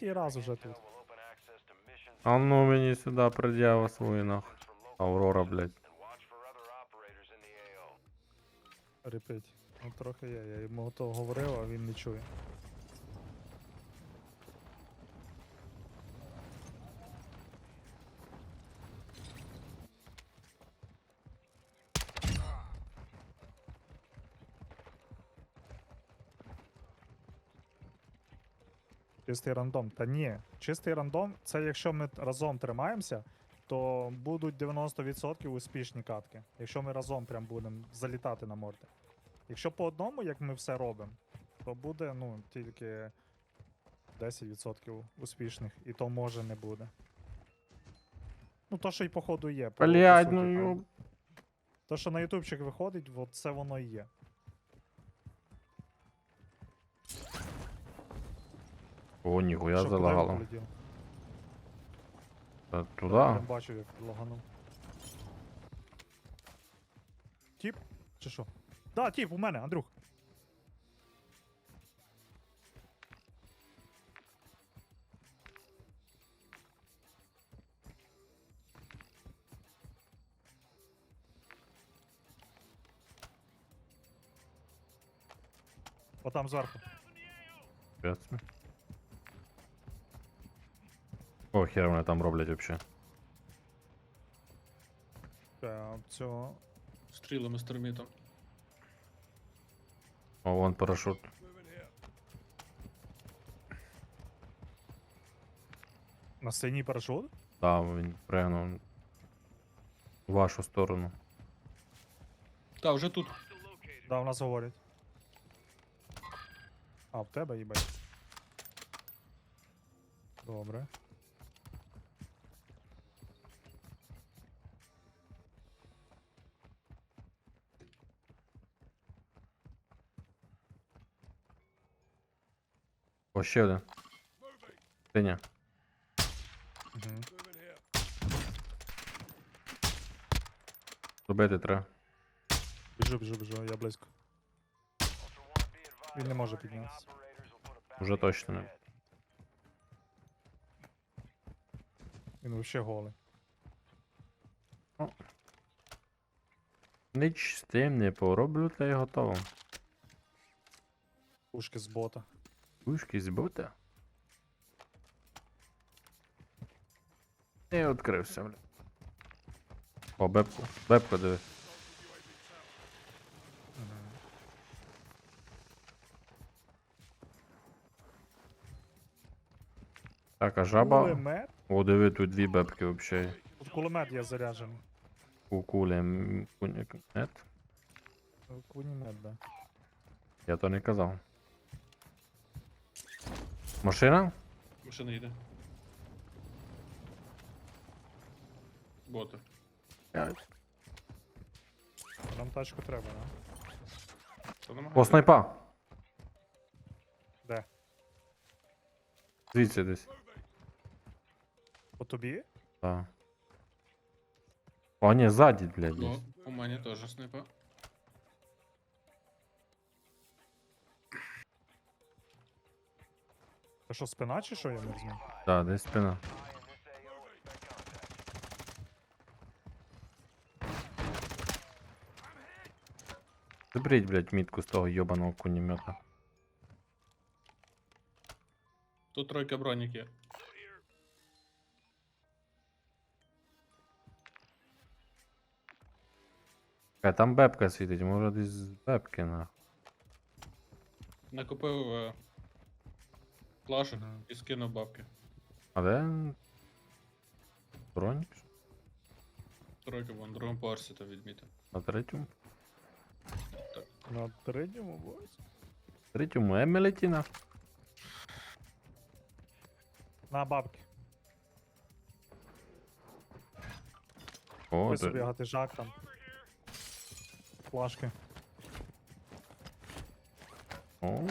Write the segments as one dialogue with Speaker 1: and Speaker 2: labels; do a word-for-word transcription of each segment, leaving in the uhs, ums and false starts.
Speaker 1: третій раз уже тут.
Speaker 2: А ну мені сюди пред'ява свою нахуй. Аврора, блядь.
Speaker 1: Репить. Ну трохи є, я йому то говорив, а він не чує. Чистий рандом. Та ні, чистий рандом це якщо ми разом тримаємося, то будуть дев'яносто відсотків успішні катки. Якщо ми разом прям будемо залітати на морди. Якщо по одному, як ми все робимо, то буде ну тільки десять відсотків успішних, і то може не буде. Ну то, що й походу є. по- по
Speaker 2: Блядь,
Speaker 1: суті,
Speaker 2: ну
Speaker 1: там.
Speaker 2: йоб.
Speaker 1: То, що на ютубчик виходить, от це воно і є.
Speaker 2: О, ніхуя
Speaker 1: Що, куди він
Speaker 2: залагало.
Speaker 1: полетів?
Speaker 2: Та
Speaker 1: Я
Speaker 2: туди.
Speaker 1: прям бачу, як лаганув. Тіп? Чи що? Да, тіп, у мене, Андрюх. Отам зверху.
Speaker 2: Ясно. О, хер вони там роблять вообще.
Speaker 1: Та, цього.
Speaker 3: Стрілами з термітом.
Speaker 2: О, вон парашут.
Speaker 1: На синій парашут?
Speaker 2: Там він пригнув. В вашу сторону.
Speaker 3: Та, вже тут.
Speaker 1: Да, в нас говорять. А, в тебе їбать. Добре.
Speaker 2: О, ще один. Синя.
Speaker 1: Угу.
Speaker 2: Робити треба.
Speaker 1: Біжу, біжу, біжу, я близько. Він не може піднятися.
Speaker 2: Уже точно не.
Speaker 1: Він вообще голий.
Speaker 2: Ніч з тим не пороблю, та й готово.
Speaker 1: Пушки з бота.
Speaker 2: Пушки з бота. І відкрився, бля. О, бепку. Бепку диви. Так, а жаба.
Speaker 1: Кулемет?
Speaker 2: О, диви, тут дві бепки вообще.
Speaker 1: Тут кулемет є заряджений.
Speaker 2: У кулі. м, куні- Нет?
Speaker 1: Кулемет, да.
Speaker 2: Я то не казав. Машина?
Speaker 3: Машина йде. Боти.
Speaker 2: Блядь.
Speaker 1: Нам тачку треба, да?
Speaker 3: Та намагайся.
Speaker 2: О, снайпа!
Speaker 1: Де?
Speaker 2: Звідси десь.
Speaker 1: По тобі?
Speaker 2: Так. О, ні, ззаді, блядь, десь.
Speaker 3: Ну, у мене теж снайпа.
Speaker 1: Це що, спина чи що я не знаю?
Speaker 2: Так, десь спина. Заберіть, блядь, мітку з того йобаного кунімета.
Speaker 3: Тут тройка бронік є.
Speaker 2: Е, там бебка світить, може десь з бебки, нахуй.
Speaker 3: Накупив е, плашок
Speaker 1: Мгм.
Speaker 3: і скинув бабки.
Speaker 2: А де? Бронік?
Speaker 3: Тройка вон, на другому поверсі то відмітив.
Speaker 2: На третьому?
Speaker 1: На третьому бось.
Speaker 2: Третьому Емелеті, на.
Speaker 1: На бабки.
Speaker 2: О,
Speaker 1: Ось собі
Speaker 2: де.
Speaker 1: гатижак там. Флажки.
Speaker 2: О,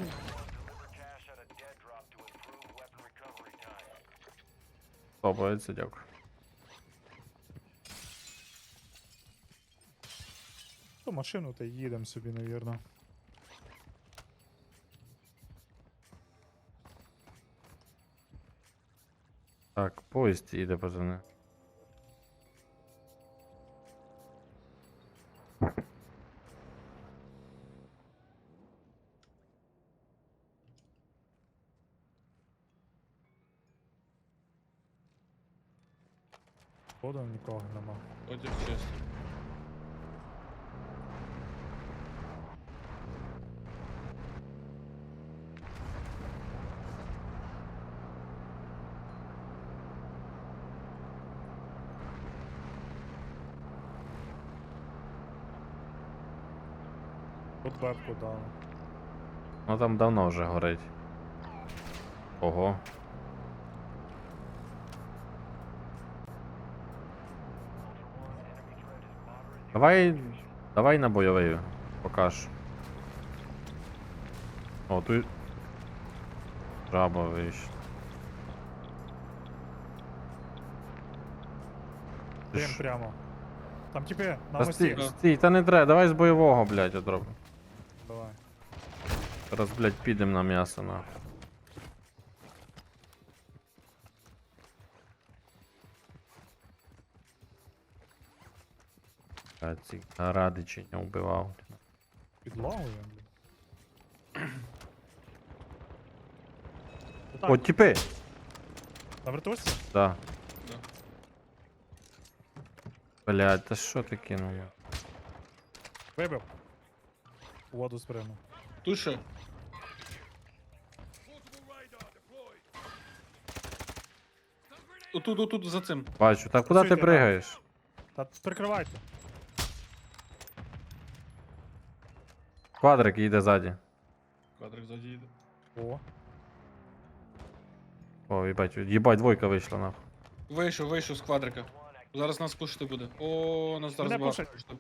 Speaker 2: подобається, дякую.
Speaker 1: То машину та й їдемо собі, навірно.
Speaker 2: Так, поїзд їде, пацани.
Speaker 1: Походу нікого нема.
Speaker 3: Потяг чисто.
Speaker 1: Тут вебку дали.
Speaker 2: Ну там давно вже горить. Ого. Давай. Давай на бойовий покаж. О, тут. Жаба вийшла. Ти
Speaker 1: Дим
Speaker 2: ж-
Speaker 1: прямо. Там типи, на
Speaker 2: Та
Speaker 1: мості.
Speaker 2: стій, стій, та не треба, давай з бойового, блядь, отроб.
Speaker 1: Давай.
Speaker 2: Зараз, блядь, підем на м'ясо, нахуй. А ці радичі не вбивав.
Speaker 1: Підлагує, блін.
Speaker 2: О,
Speaker 1: Так,
Speaker 2: тіпи!
Speaker 1: на вертушці?
Speaker 2: Да.
Speaker 3: Да.
Speaker 2: Блядь, та що ти кинув?
Speaker 1: Вибив. У воду спригнув.
Speaker 3: Туше. Отут, отут, за цим.
Speaker 2: Бачу, так куди ти
Speaker 1: Працюйте,
Speaker 2: пригаєш?
Speaker 1: Та прикривайте.
Speaker 2: Квадрик їде ззаді.
Speaker 3: Квадрик ззаді їде.
Speaker 1: О.
Speaker 2: О, їбать, їбать, двойка вийшла, нахуй.
Speaker 3: Вийшов, вийшов з квадрика. Зараз нас пушити буде. О, нас зараз
Speaker 1: Мене
Speaker 3: багато
Speaker 1: пушать.
Speaker 3: пушити.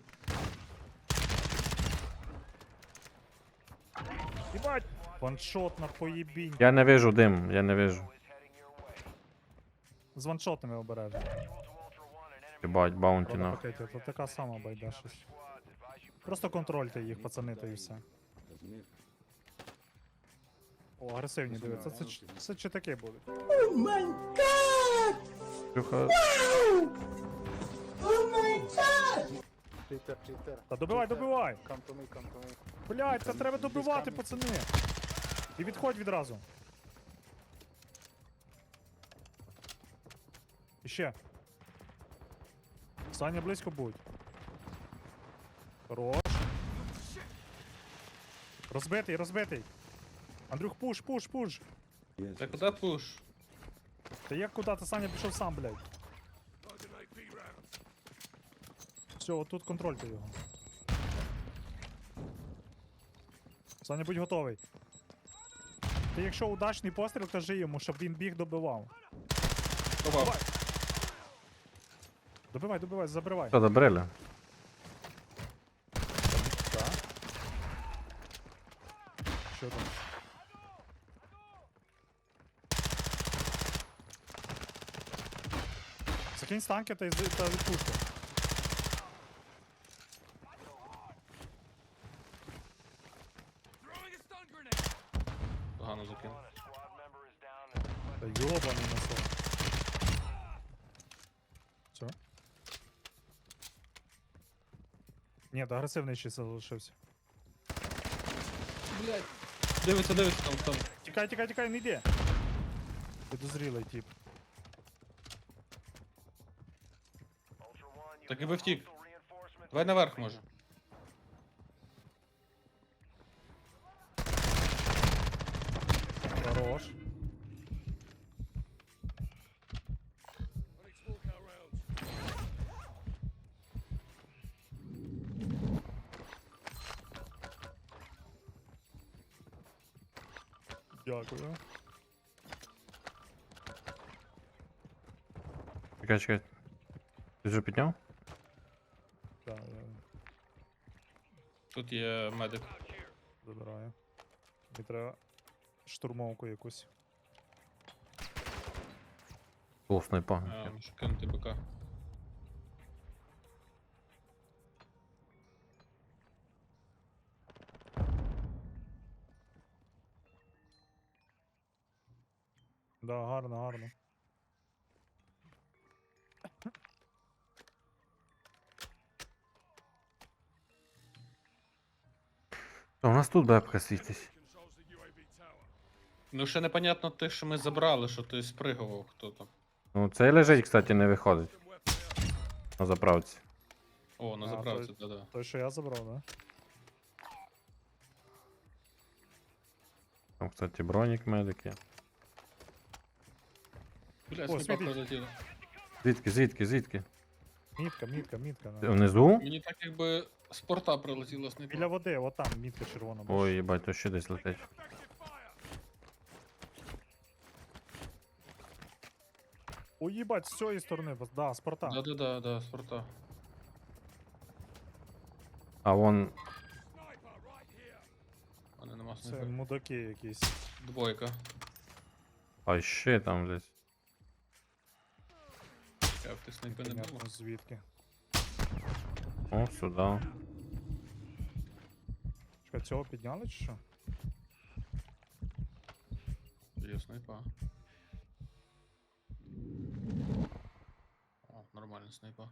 Speaker 1: Їбать! Ваншот на поїбінь.
Speaker 2: Я не вижу дим, я не вижу.
Speaker 1: З ваншотами обережно.
Speaker 2: Їбать, баунті,
Speaker 1: Вона
Speaker 2: нахуй.
Speaker 1: пакеті, то така сама байда щось. Просто контрольте їх, пацани, та і все. О, агресивні дивиться. Це, ч- це чи таке буде?
Speaker 2: Трюха.
Speaker 4: Cheater, cheater.
Speaker 1: Та добивай, добивай!
Speaker 4: Come to me, come to me.
Speaker 1: Блять, це треба добивати, пацани! І відходь відразу. І ще. Саня близько будь. Хорош. Розбитий, розбитий. Андрюх, пуш, пуш, пуш.
Speaker 3: Та куди пуш?
Speaker 1: Та як куди ти, Саня пішов сам, блядь. Все, отут контрольте його. Саня, будь готовий. Ти якщо удачний постріл, кажи йому, щоб він біг добивав.
Speaker 3: Ховав.
Speaker 1: Добивай, добивай, забривай.
Speaker 2: Що, добрили?
Speaker 1: Так. Що там? Закинь станки та, із- та відпусти.
Speaker 3: Погано закинув.
Speaker 1: Та йобаний носок. Все? Ні, та агресивний ще залишився.
Speaker 3: Блять. Дивиться, дивиться там, там.
Speaker 1: Тікай, тікай, тікай, не йди. Підозрілий тип.
Speaker 3: Так і би втік. Давай наверх може.
Speaker 1: Хорош. Дякую.
Speaker 2: Чекай, чекай. Ти вже підняв?
Speaker 1: Так, я
Speaker 3: Тут є медик.
Speaker 1: забираю. Мені треба штурмовку якусь.
Speaker 2: О, снайпа.
Speaker 3: А, можу кинути БК.
Speaker 1: Да, гарно, гарно.
Speaker 2: Та у нас тут бебка світить.
Speaker 3: Ну ще непонятно те, що ми забрали, що ти спригував хто там.
Speaker 2: Ну, цей лежить, кстати, не виходить. На заправці.
Speaker 3: О, на
Speaker 1: А,
Speaker 3: заправці, да-да.
Speaker 1: Той, що я забрав, да?
Speaker 2: Там, кстати, бронік медики.
Speaker 3: Бля,
Speaker 1: О,
Speaker 3: снайпа
Speaker 1: світить.
Speaker 3: прилетіла.
Speaker 2: Звідки, звідки, звідки?
Speaker 1: Мітка, мітка, мітка.
Speaker 2: Ти
Speaker 1: Да.
Speaker 2: внизу?
Speaker 3: Мені так якби з порта прилетіла снайпа.
Speaker 1: Біля води, отам, мітка червона. бачиш.
Speaker 2: Ой, їбать, то ще десь летить.
Speaker 1: Ой, їбать, з цієї сторони, бо- да, з порта.
Speaker 3: Да-да-да, да, з порта.
Speaker 2: А вон.
Speaker 3: А не нема
Speaker 1: Це
Speaker 3: снайпа.
Speaker 1: мудаки якісь.
Speaker 3: Двойка.
Speaker 2: А ще там десь.
Speaker 3: Я в тих снайпи не
Speaker 1: Понятно,
Speaker 3: було.
Speaker 1: звідки.
Speaker 2: О, сюди.
Speaker 1: Чекай, цього підняли чи що?
Speaker 3: Є снайпа. О, нормальна снайпа.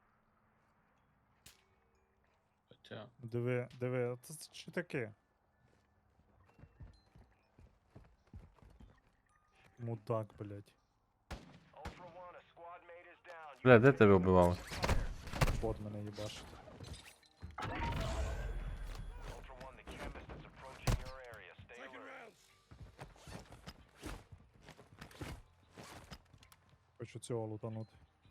Speaker 3: Хоча.
Speaker 1: Диви, диви, це це що таке? Мудак, блядь.
Speaker 2: Бля, де тебе вбивав?
Speaker 1: Бот мене їбашить. Хочу цього лутанути.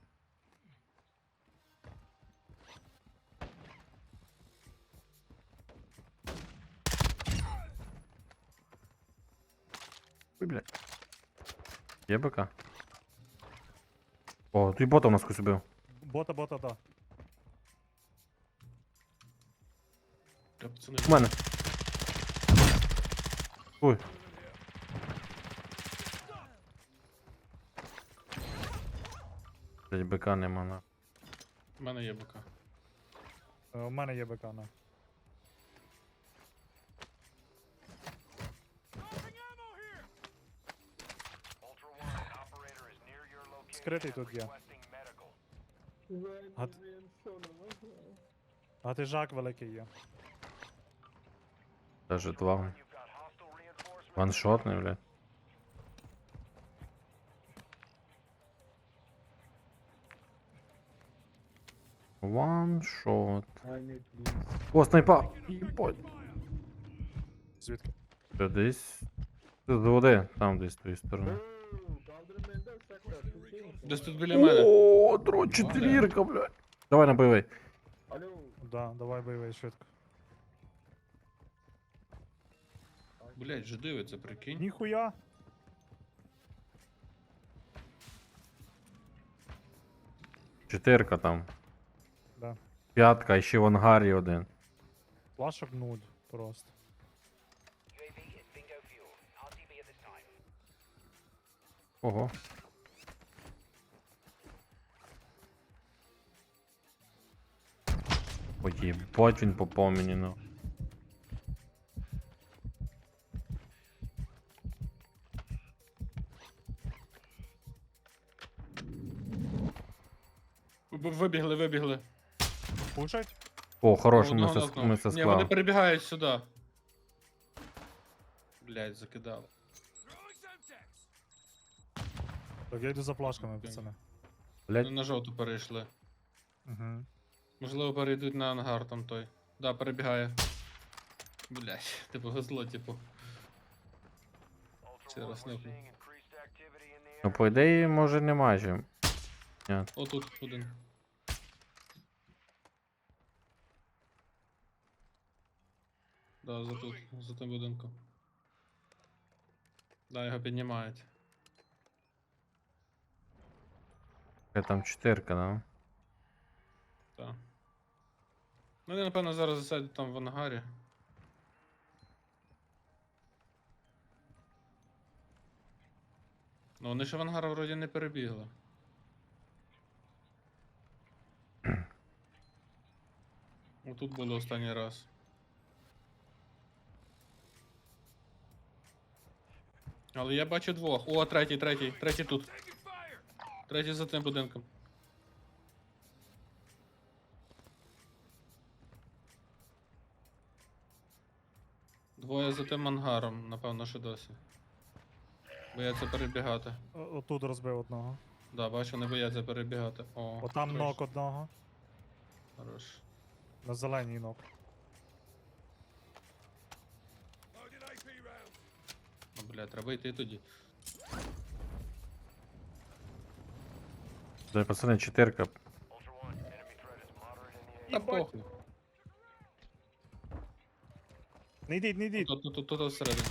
Speaker 2: Ой, бля. Є БК? О, тут бота у нас хтось убив.
Speaker 1: Бота, бота, да.
Speaker 3: Бля, пацани.
Speaker 2: У мене. Ой. Блять, БК нема на.
Speaker 3: У мене є БК.
Speaker 1: Е, У мене є БК, на. Скритий тут є. А, т- а ти жак великий є.
Speaker 2: Даже два. Ваншотний, блядь. Ваншот. О, снайпа! Єбать.
Speaker 1: Звідки?
Speaker 2: Що, десь? З води, там десь з тої сторони.
Speaker 3: Десь тут біля мене.
Speaker 2: О, дрон четвірка, блядь. Давай на бойовий.
Speaker 1: Да, давай бойовий швидко.
Speaker 3: Блять, же дивиться, прикинь.
Speaker 1: Ніхуя!
Speaker 2: Чотирка там.
Speaker 1: Да.
Speaker 2: П'ятка, і ще в ангарі один.
Speaker 1: Плашок нуль просто.
Speaker 2: Ого. Ой, єбать він попав мені, ну.
Speaker 3: Ви- Вибігли, вибігли.
Speaker 1: Пушать?
Speaker 2: О, хорош, ми
Speaker 3: Одного
Speaker 2: це,
Speaker 3: нокнув.
Speaker 2: ми це
Speaker 3: Ні, вони
Speaker 2: склали.
Speaker 3: перебігають сюди. Блять, закидав.
Speaker 1: Так я йду за плашками, пацани.
Speaker 3: Вони
Speaker 2: Блять,
Speaker 3: на жовту перейшли.
Speaker 1: Угу.
Speaker 3: Можливо, перейдуть на ангар там той. Да, перебігає. Блять, типу везло, типу. Ще раз не.
Speaker 2: ну по ідеї, може немає чим. Ні.
Speaker 3: Отут один. Да, за тут, за тим будинком. Да, його піднімають.
Speaker 2: Яка там чотирка, да?
Speaker 3: Так. Ну, вони, напевно, зараз засядуть там в ангарі. Ну, вони ще в ангар вроді не перебігли. Отут було останній раз. Але я бачу двох. О, третій, третій, третій тут. Третій за тим будинком. Двоє за тим ангаром, напевно, що досі. Бояться перебігати.
Speaker 1: О- Отут розбив одного.
Speaker 3: Да, бачу, не бояться перебігати. О,
Speaker 1: Отам
Speaker 3: трош.
Speaker 1: нок одного.
Speaker 3: Хорош.
Speaker 1: На зеленій нок.
Speaker 3: Ну, бля, треба йти тоді.
Speaker 2: Да, пацани, чотирка.
Speaker 3: Та похуй.
Speaker 1: Не йдіть, не йдіть.
Speaker 3: Тут, тут, тут, тут всередині.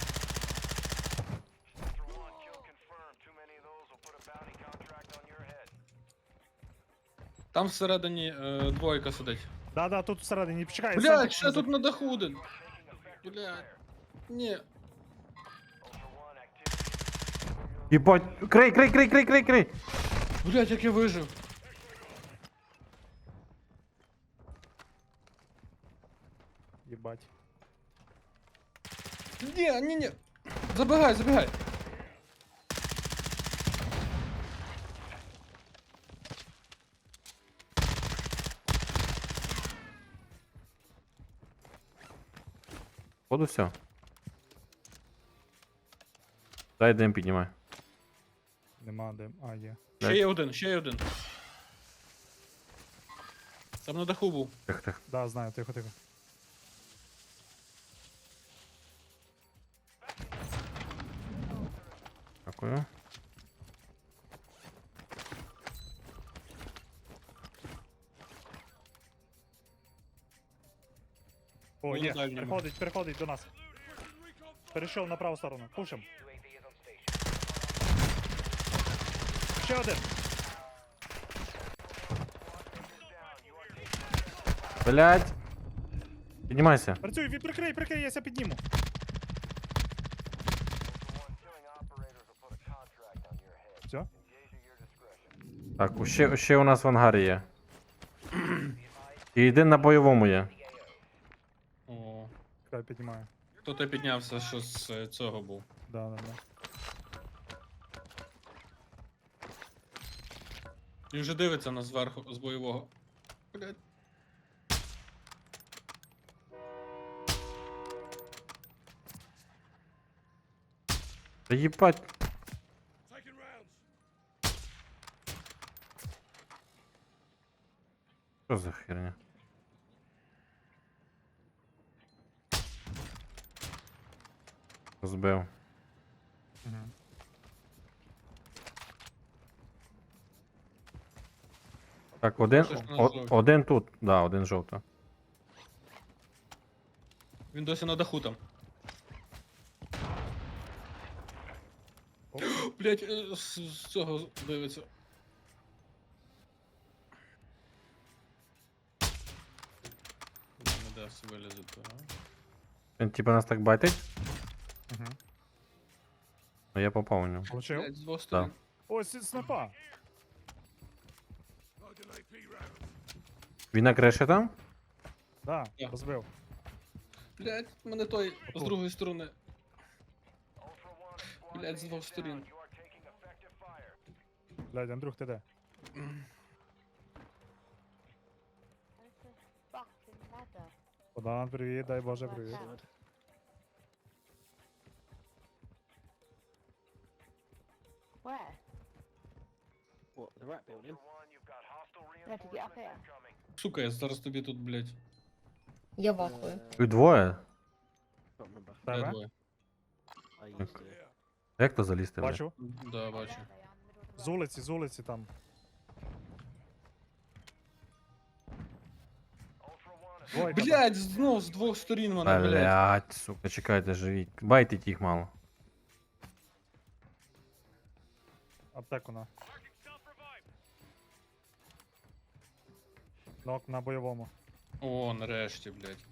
Speaker 3: Там всередині е, двойка сидить.
Speaker 1: Да-да, тут всередині. Почекай, сам
Speaker 3: Блядь,
Speaker 1: так
Speaker 3: ще
Speaker 1: не
Speaker 3: тут на даху один. Блядь. Ні.
Speaker 2: Єбать, крий, крий, крий, крий, крий, крий.
Speaker 3: Блядь, як я вижив.
Speaker 1: Єбать.
Speaker 3: Ні, ні, ні. Забігай, забігай.
Speaker 2: Походу все. Дай дим піднімай.
Speaker 1: Нема де. А, є.
Speaker 3: Ще є один, ще є один. Там на даху був.
Speaker 2: Тих, тих.
Speaker 1: Да, знаю, тихо, тихо.
Speaker 2: Дякую.
Speaker 1: О,
Speaker 3: Ну,
Speaker 1: є.
Speaker 3: на дальньому.
Speaker 1: Переходить, переходить до нас. Перейшов на праву сторону. Пушим. Ще один.
Speaker 2: Блять. Піднімайся.
Speaker 1: Працюй, ві- прикрий, прикрий, я ся підніму. Все?
Speaker 2: Так, у- ще, ще у нас в ангарі є. І один на бойовому є.
Speaker 3: О.
Speaker 1: Хай піднімаю.
Speaker 3: Хто то піднявся, що з е, цього був.
Speaker 1: Да, да, да.
Speaker 3: Він вже дивиться на зверху з бойового. Блядь.
Speaker 2: Та їбать. Що за херня? Збив.
Speaker 1: Угу.
Speaker 2: Так, один,
Speaker 3: Що ж на
Speaker 2: о,
Speaker 3: жовтій?
Speaker 2: один тут, да, один жовто.
Speaker 3: Він досі на даху там.
Speaker 1: Оп.
Speaker 3: Блять, з, з цього дивиться. Не дасть вилізати, а?
Speaker 2: Він типа нас так байтить,
Speaker 1: Угу.
Speaker 2: но я попав у нього.
Speaker 1: Получив?
Speaker 3: Блять, з двох сторон.
Speaker 1: Ось із снайпа.
Speaker 2: Він на криші там?
Speaker 1: Да,
Speaker 3: Я.
Speaker 1: розбив.
Speaker 3: Блять, мене той з
Speaker 1: Отут.
Speaker 3: другої сторони. Блять, з двох сторін.
Speaker 1: Блядь, Андрюх, ти де?
Speaker 4: Fucking ladder.
Speaker 1: Богдан, привіт, дай Боже,
Speaker 4: Like
Speaker 1: привіт.
Speaker 4: that. Where?
Speaker 5: What, the rat building?
Speaker 4: Where to get up here?
Speaker 3: Сука, я зараз тобі тут, блять.
Speaker 6: Я вахую.
Speaker 2: І двоє?
Speaker 5: Can't remember.
Speaker 3: Я
Speaker 1: Тебе?
Speaker 3: двоє.
Speaker 5: I used to.
Speaker 2: Як то залізти? бля?
Speaker 1: Бачу.
Speaker 3: Да, бачу.
Speaker 1: З вулиці, з вулиці там. Двойка там.
Speaker 3: Блять, знов з двох сторін мене, блять.
Speaker 2: Блять, сука, чекайте, живіть. Байтить їх мало.
Speaker 1: Аптеку на. Нок на бойовому.
Speaker 3: О, нарешті, блять.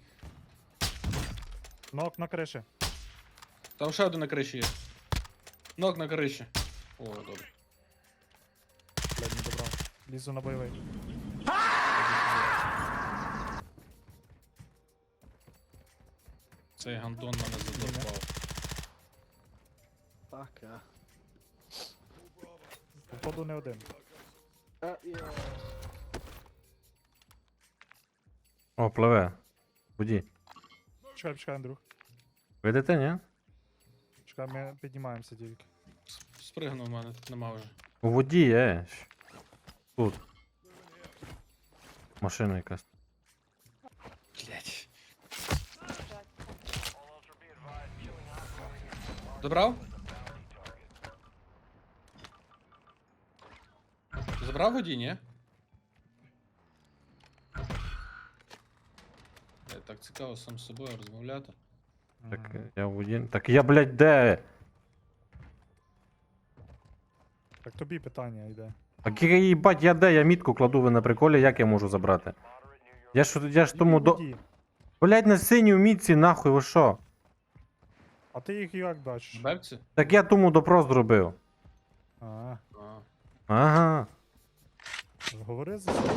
Speaker 1: Нок на криші.
Speaker 3: Там ще один на криші є. Ног на криші. О, добре.
Speaker 1: Блядь, не добрав. Лізу на бойовий.
Speaker 3: Цей гандон мене задовбав.
Speaker 5: Fucker.
Speaker 1: Походу не один.
Speaker 5: Uh, yeah.
Speaker 2: О, пливе. Буді.
Speaker 1: Чекай, чекай, Андрюх.
Speaker 2: Видите, ні?
Speaker 1: Чекай, ми піднімаємося тільки.
Speaker 3: С- Спригнув в мене, тут нема вже.
Speaker 2: У воді, е. щ. Тут. Машина якась.
Speaker 3: Блять. Забрав? Забрав воді, ні? Я так цікаво сам з собою розмовляти.
Speaker 2: Так
Speaker 1: Мгм.
Speaker 2: я в воді. Так я, блядь, де?
Speaker 1: Так тобі питання йде.
Speaker 2: Так я їбать, я де? Я мітку кладу, ви на приколі, як я можу забрати? Я ж, я ж тому до.
Speaker 1: Іди.
Speaker 2: Блядь, на синій мітці, нахуй, ви що?
Speaker 1: А ти їх як бачиш?
Speaker 3: В бебці?
Speaker 2: Так я тому допрос зробив.
Speaker 1: А,
Speaker 3: А.
Speaker 2: Ага.
Speaker 1: говори за себе.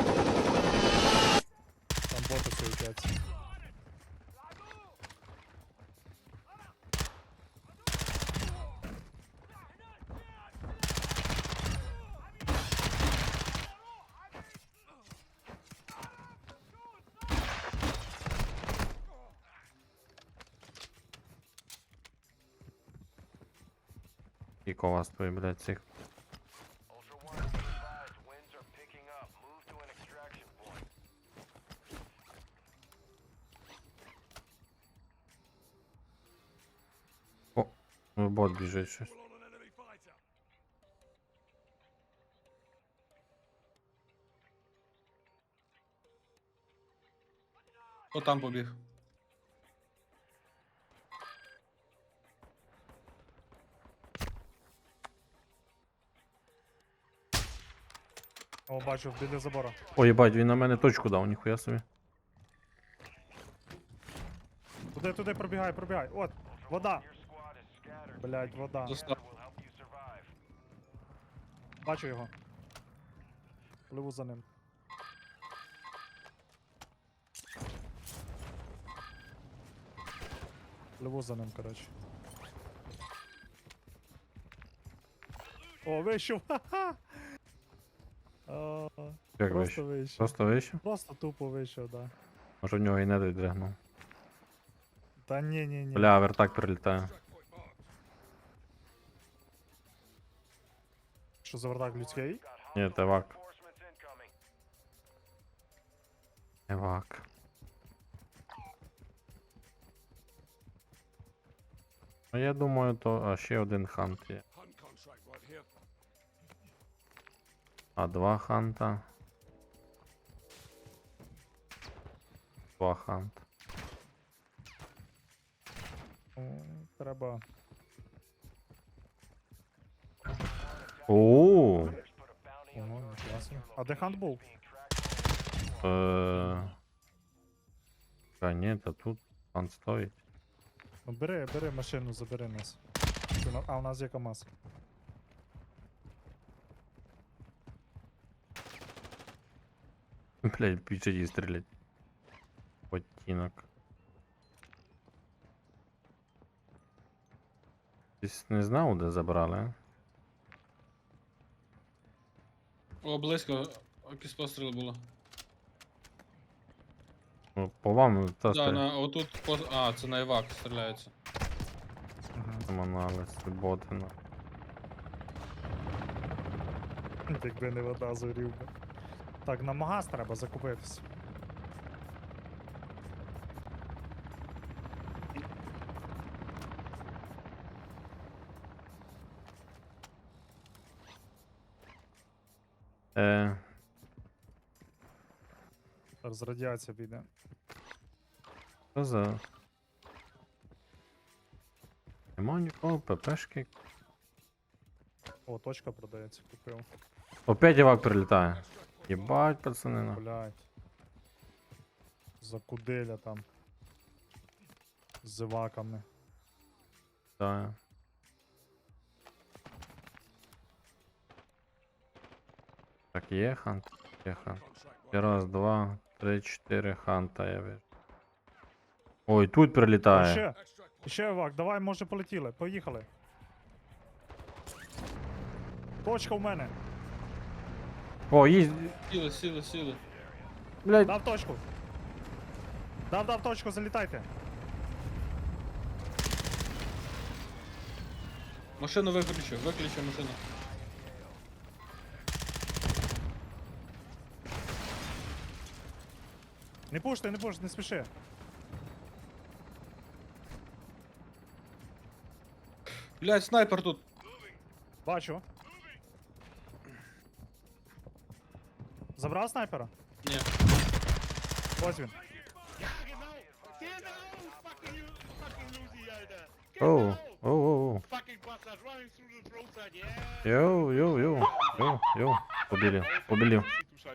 Speaker 1: Там боти суетяться.
Speaker 2: Скільки у вас той, блядь, цих. О, ну бот біжить щось.
Speaker 3: Хто там побіг?
Speaker 1: О, бачу, біля забора.
Speaker 2: О, їбать, він на мене точку дав, ніхуя собі.
Speaker 1: Туди, туди, пробігай, пробігай. От, вода. Блять, вода.
Speaker 3: Достав.
Speaker 1: Бачу його. Пливу за ним. Пливу за ним, коротше. О, вийшов! Ха-ха! О,
Speaker 2: Як
Speaker 1: Просто
Speaker 2: вийшов?
Speaker 1: вийшов.
Speaker 2: Просто вийшов?
Speaker 1: Просто тупо вийшов, да.
Speaker 2: Може в нього і не додрягнув.
Speaker 1: Та ні, ні, ні.
Speaker 2: Бля, вертак прилітає.
Speaker 1: Що за вертак людський?
Speaker 2: Ні, це вак. Евак. Ну я думаю, то а ще один хант є. А два ханта. Два ханта.
Speaker 1: Ну, треба.
Speaker 2: Ооо.
Speaker 1: Ого, класно. А де хант був?
Speaker 2: Е. Та ні, та тут хант стоїть.
Speaker 1: Ну бери, бери машину, забери нас. Чи на- А у нас є КамАЗ.
Speaker 2: Блять, пічаді стрілять. Потінок. Десь не знав, де забрали, а?
Speaker 3: О, близько. Якісь постріли було.
Speaker 2: Ну, по вам та
Speaker 3: Да,
Speaker 2: стріляє.
Speaker 3: на, отут по... А, це на Івак стріляється.
Speaker 1: Угу.
Speaker 2: Ботина.
Speaker 1: Якби не вода зорів би. Так, на магаз треба закупитись.
Speaker 2: Е,
Speaker 1: Зараз радіація піде.
Speaker 2: що за... Нема нікого, ППшки.
Speaker 1: О, точка продається, купив.
Speaker 2: Опять івак прилітає. Єбать, пацани. на.
Speaker 1: Блять. Закуделя там. З зеваками.
Speaker 2: Да. Так, є хант? Є хант. І раз, два, три, чотири ханта я вижу. Ой, тут
Speaker 1: О,
Speaker 2: прилітає.
Speaker 1: ще! Ще евак, давай, може полетіли. Поїхали. Точка в мене.
Speaker 2: О, їсть.
Speaker 3: Сіли, сіли, сіли.
Speaker 2: Блять.
Speaker 1: Дав точку. Дав, дав точку, залітайте.
Speaker 3: Машину виключу, виключу машину.
Speaker 1: Не пушти, не пушти, не спіши.
Speaker 3: Блядь, снайпер тут.
Speaker 1: Бачу. Забрав снайпера?
Speaker 3: Ні.
Speaker 1: Ось він.
Speaker 2: Оу, оу, оу. Йоу, йоу, йоу, йоу, йоу. Побілів, побілів.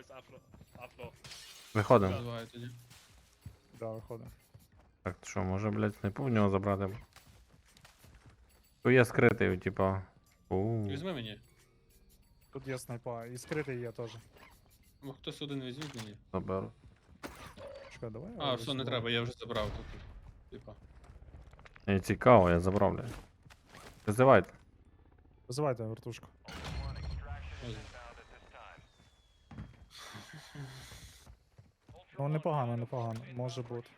Speaker 2: Виходимо.
Speaker 3: Називаю тоді.
Speaker 1: Да, виходить.
Speaker 2: Так, що, може, блядь, снайпу в нього забрати? Тут є скритий, типа. Оу.
Speaker 3: Візьми мені.
Speaker 1: Тут є снайпа, і скритий є теж.
Speaker 3: Ну, хтось один візьміть мені.
Speaker 2: Заберу.
Speaker 1: Чекай, давай. я
Speaker 3: А, все, не
Speaker 1: візьму.
Speaker 3: треба, я вже забрав тут. Типа.
Speaker 2: Мені цікаво, я забрав, блядь. Визивайте.
Speaker 1: Визивайте вертушку.
Speaker 3: Ось.
Speaker 1: Ну, непогано, непогано. Може бути.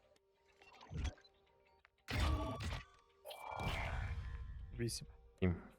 Speaker 1: Вісім.
Speaker 2: Сім.